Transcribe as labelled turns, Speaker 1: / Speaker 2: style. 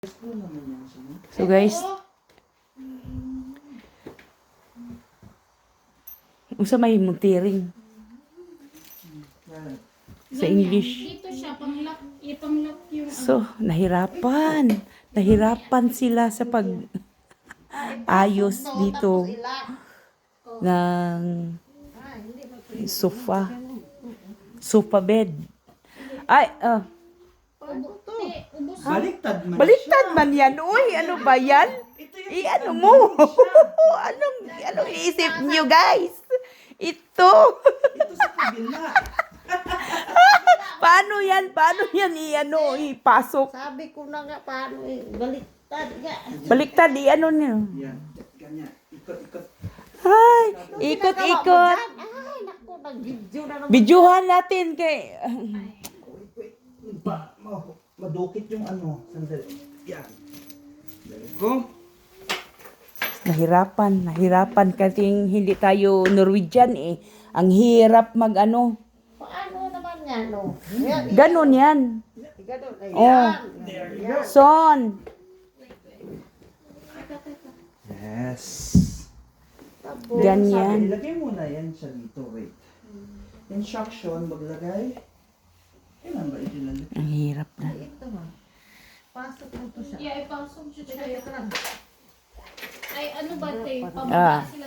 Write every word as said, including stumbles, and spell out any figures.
Speaker 1: So guys, usa may muntiring sa English.
Speaker 2: Dito siya, pang-lock, ipang-lock yung...
Speaker 1: So, nahirapan. Nahirapan sila sa pag ayos dito ng sofa. Sofa bed. Ay, ah.
Speaker 3: Baliktad man
Speaker 1: Baliktad man yan. Uy, ano ba yan? I ano mo? anong, anong iisip niyo guys? Ito.
Speaker 3: Ito sa kabila.
Speaker 1: Paano yan? Paano yan i-ano, ipasok?
Speaker 4: Sabi ko na nga, paano eh, baliktad nga.
Speaker 1: Baliktad, i-ano niyo.
Speaker 3: Yan, ganyan. Ikot-ikot.
Speaker 1: Ay, ikot-ikot.
Speaker 4: Ay, naku, nag-video na naman.
Speaker 1: Videohan natin kay...
Speaker 3: Wait, wait. Ba, ma- madukit yung ano. Sandali. Yan. There you go.
Speaker 1: Nahirapan, nahirapan kasing hindi tayo Norwegian eh. Ang hirap mag-ano.
Speaker 4: Paano naman nga, no? Yan,
Speaker 1: Ganon yan.
Speaker 4: ganon. Ayan.
Speaker 1: Oh.
Speaker 3: There you go.
Speaker 1: Son.
Speaker 3: Yes.
Speaker 4: Tapos,
Speaker 1: Ganyan.
Speaker 3: Sabi, ilagay muna yan siya dito. Wait. Instruction, maglagay. Kailan ba itinalagay?
Speaker 1: Ang hirap na.
Speaker 4: ito ha. Pasok mo to siya.
Speaker 2: Yeah, ipasok siya
Speaker 4: Teka,
Speaker 2: siya.
Speaker 4: teka lang.
Speaker 2: Ay, ano ba, te?
Speaker 1: Ah.
Speaker 2: Pababa